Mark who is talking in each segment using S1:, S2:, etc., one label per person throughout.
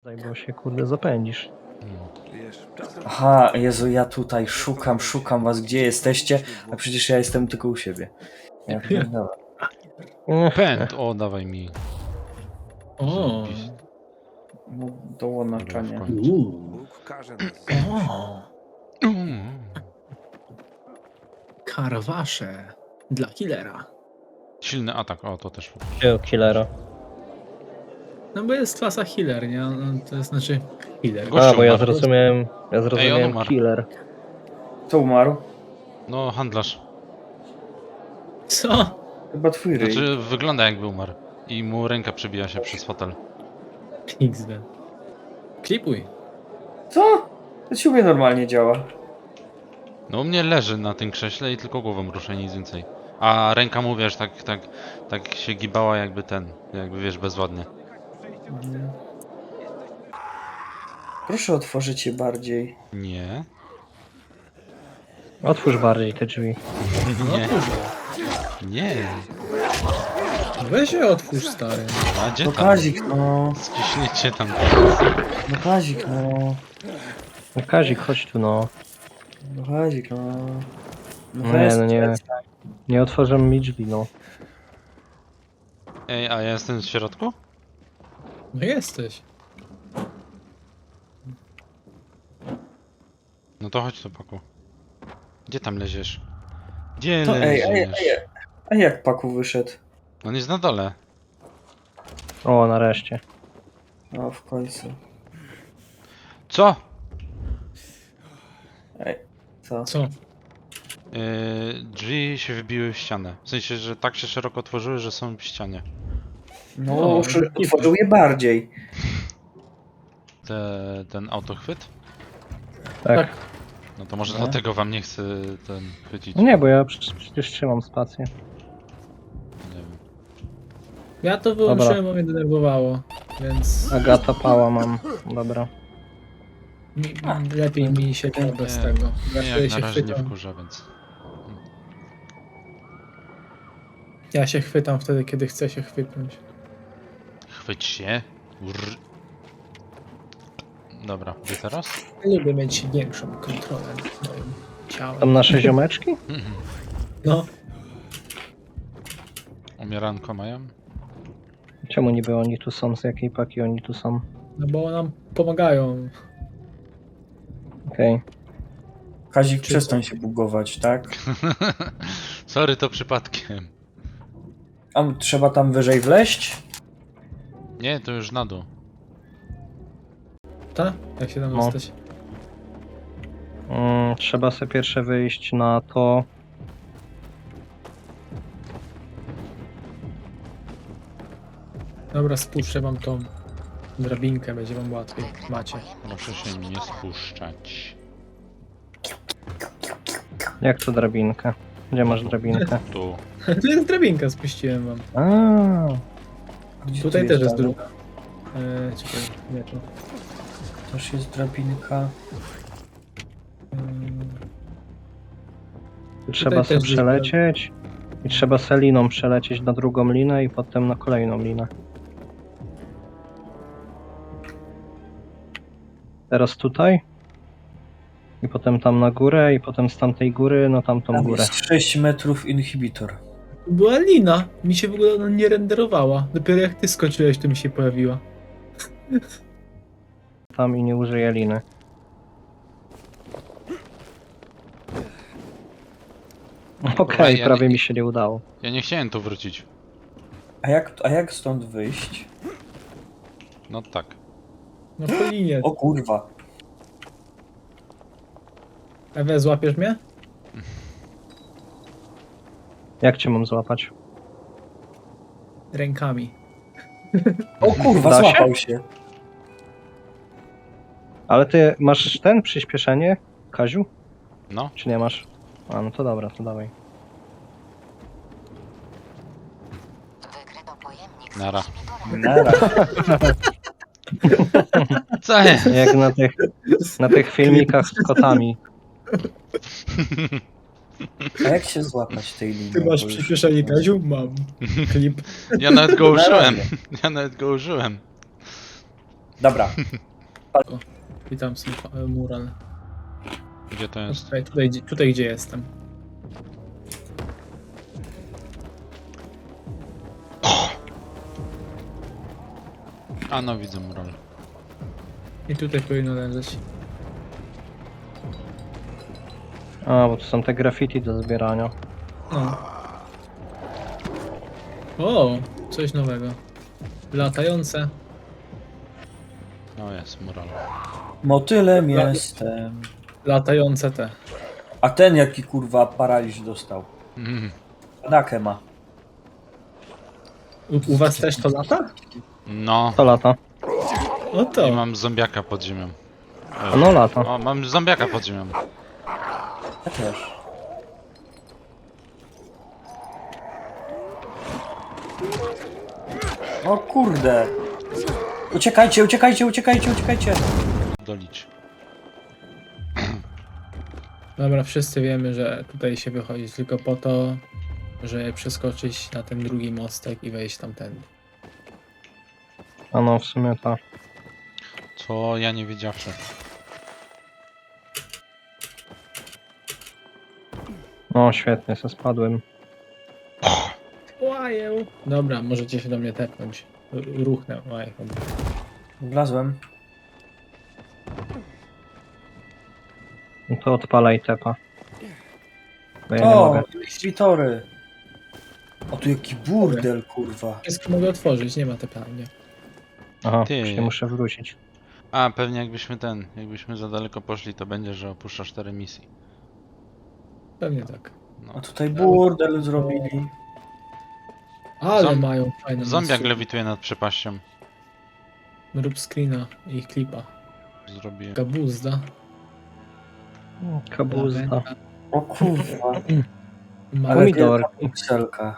S1: Bo się kurde zapędzisz.
S2: Aha, Jezu, ja tutaj szukam was, gdzie jesteście, a przecież ja jestem tylko u siebie. Ja pierdolę.
S3: Pęd! O, dawaj mi.
S4: O,
S2: No, dołączanie.
S3: Dobra, w końcu.
S5: Bóg każe nas.
S4: o, karwasze dla killera.
S3: Silny atak, o to też.
S1: Gdzie killera?
S4: No bo jest klasa healer, nie? No, to znaczy healer.
S3: Gościu
S1: A, bo ja
S3: umarł.
S1: zrozumiałem
S3: on umarł.
S1: killer.
S2: Kto umarł?
S3: No, handlarz.
S4: Co?
S2: Chyba twój ryj.
S3: Znaczy, wygląda jakby umarł. I mu ręka przebija się przez fotel.
S4: XD. Klipuj.
S2: Co? To ci u mnie normalnie działa.
S3: No, u mnie leży na tym krześle i tylko głową rusza, nic więcej. A ręka mu, wiesz, tak się gibała jakby wiesz, bezładnie.
S2: Proszę otworzyć je bardziej.
S3: Nie.
S1: Otwórz bardziej te drzwi.
S3: Nie. Nie.
S4: Weź się otwórz, stary.
S3: A gdzie
S2: No
S3: tam?
S2: Kazik, no.
S3: Skiśniecie tam.
S2: No Kazik, no.
S1: No Kazik, chodź tu no.
S2: No Kazik, no.
S1: No nie, no nie. Nie otworzę mi drzwi, no.
S3: Ej, a ja jestem w środku?
S4: No jesteś.
S3: No to chodź tu, Paku. Gdzie tam leziesz? Gdzie
S2: To,
S3: leziesz?
S2: A jak Paku wyszedł?
S3: On jest na dole.
S1: O, nareszcie.
S2: No w końcu.
S3: Co?
S2: Ej, co?
S4: Co?
S3: Drzwi się wybiły w ścianę. W sensie, że tak się szeroko otworzyły, że są w ścianie.
S2: No,
S4: No,
S2: otworzył je bardziej.
S3: Ten autochwyt?
S1: Tak.
S3: No to może
S2: No.
S3: dlatego wam nie chcę chwycić.
S1: No nie, bo ja przecież trzymam spację.
S3: Nie wiem.
S4: Ja to wyłączyłem, bo mnie denerwowało, więc
S1: Agata Pała mam. Dobra.
S4: lepiej mi się gra bez tego. Ja
S3: Nie,
S4: wtedy
S3: jak na
S4: się
S3: razie nie
S4: chwytam.
S3: wkurza, więc...
S4: Ja się chwytam wtedy, kiedy chcę się chwytnąć.
S3: Chwyć się. Dobra, gdzie teraz?
S4: Lubię mieć większą kontrolę nad moim ciałem.
S1: Tam nasze ziomeczki?
S4: No,
S3: Umieranko mają?
S1: Czemu niby oni tu są? Z jakiej paki oni tu są?
S4: no bo nam pomagają.
S1: Okej.
S2: Kazik, przestań się bugować, tak?
S3: Sorry, to przypadkiem.
S2: A trzeba tam wyżej wleźć?
S3: Nie, to już na dół.
S4: Ta? Jak się tam
S1: No.
S4: jesteś?
S1: Trzeba sobie pierwsze wyjść na to.
S4: Dobra, spuszczę wam tą drabinkę, będzie wam łatwiej. Macie.
S3: Proszę się nie spuszczać.
S1: Jak to drabinkę? Gdzie masz drabinkę?
S3: Tu.
S4: Tu jest drabinka, spuściłem wam.
S1: A,
S2: Gdzie
S4: Tutaj
S2: tu
S4: też jest
S2: drabinka?
S4: druga. Czekaj, nie tu.
S2: Też jest drabinka.
S1: trzeba
S4: też
S1: sobie
S4: jest
S1: przelecieć. I trzeba seliną przelecieć na drugą linę i potem na kolejną linę. Teraz tutaj. I potem tam na górę, i potem z tamtej góry na tamtą
S2: Tam
S1: górę.
S2: jest 6 metrów inhibitor.
S4: Była lina. Mi się w ogóle ona nie renderowała. Dopiero jak ty skończyłeś, to mi się pojawiła.
S1: Tam i nie użyję liny. Okej,
S3: ja
S1: prawie
S3: nie-
S1: mi się nie udało.
S3: Ja nie chciałem tu wrócić.
S2: A jak stąd wyjść?
S3: No tak.
S4: No po linie.
S2: O kurwa.
S4: Ewe, złapiesz mnie?
S1: Jak cię mam złapać?
S4: Rękami.
S2: O kurwa,
S1: Da się?
S2: złapał się.
S1: Ale ty masz ten przyspieszenie, Kaziu?
S3: No.
S1: Czy nie masz? A, no to dobra, to dawaj.
S3: Nara.
S2: Nara.
S3: Co jest?
S1: Jak na tych filmikach z kotami.
S2: A jak się złapać tej linii?
S4: Ty masz
S2: Bo już-
S4: przyspieszenie, Kaziu? Mam. Klip.
S3: Ja nawet go
S2: Na
S3: użyłem.
S2: razie.
S3: Ja nawet go użyłem.
S2: Dobra.
S4: Witam, mural.
S3: Gdzie to jest?
S4: Tutaj gdzie jestem.
S3: A no widzę mural.
S4: I tutaj powinno leżeć.
S1: A, bo to są te graffiti do zbierania.
S4: No. O, coś nowego. Latające.
S3: O jest mural.
S2: Motylem jestem.
S4: Latające te.
S2: A ten jaki kurwa paraliż dostał.
S3: Mm.
S2: Padakę ma.
S4: U was też to lata?
S3: No.
S1: To lata.
S4: O to.
S3: I mam zombiaka pod ziemią.
S1: No lata.
S3: O, mam zombiaka pod ziemią.
S2: Ja też. O kurde. Uciekajcie, uciekajcie, uciekajcie, uciekajcie.
S3: Dolić.
S4: Dobra, wszyscy wiemy, że tutaj się wychodzi tylko po to, żeby przeskoczyć na ten drugi mostek i wejść tamtędy.
S1: A no, w sumie ta.
S3: Co ja nie wiedziawszy.
S1: No, świetnie, se spadłem.
S4: Łajeł. Dobra, możecie się do mnie tepnąć. Ruchnę. Łaj, chyba.
S2: Wlazłem.
S1: No to odpalaj tepa. Bo ja nie
S2: O,
S1: mogę.
S2: inhibitory. O tu jaki burdel kurwa.
S4: Wszystko mogę otworzyć, nie ma tepania.
S1: Aha,
S3: Ty.
S1: już nie muszę wrócić.
S3: A, pewnie jakbyśmy za daleko poszli, to będzie, że opuszcza 4 misji.
S4: Pewnie tak.
S3: No.
S2: A tutaj burdel zrobili.
S4: Ale
S3: Zom-
S4: mają fajne
S3: Zombiak
S4: miejsce.
S3: lewituje nad przepaścią.
S4: Rób screena i klipa.
S3: Zrobię.
S4: Gabuzda.
S1: Kabuzda.
S2: O kurwa.
S4: Ma
S2: Ale
S1: Pomidor.
S2: wielka pikselka.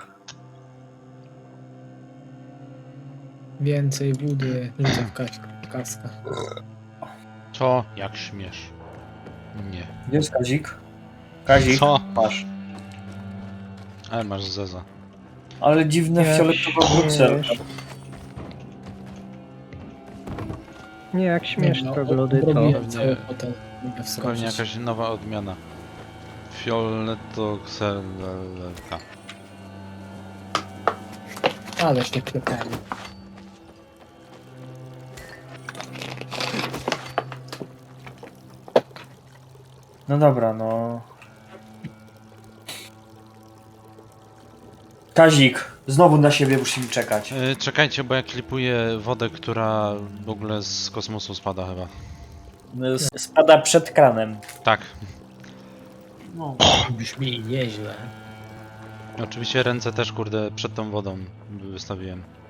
S4: więcej wody. Rzucę w kaskę.
S3: Co? Jak śmiesz? Nie.
S2: Gdzie jest Kazik? Kazik,
S3: Co?
S2: masz.
S3: Ale masz zeza.
S2: Ale dziwne
S1: Jak
S2: fioletowa pikselka.
S1: Nie, jak śmiesz
S4: No,
S1: troglodyto.
S4: robiłem cały hotel. Mogę
S3: Pewnie
S4: wskoczyć.
S3: jakaś nowa odmiana. Fioletoxelka.
S4: Ale się klepali.
S2: No dobra, no. Kazik, znowu na siebie musimy czekać.
S3: Czekajcie, bo ja klipuję wodę, która w ogóle z kosmosu spada chyba.
S2: Spada przed kranem.
S3: Tak.
S2: No.
S4: Brzmi nieźle.
S3: Oczywiście ręce też, kurde, przed tą wodą wystawiłem.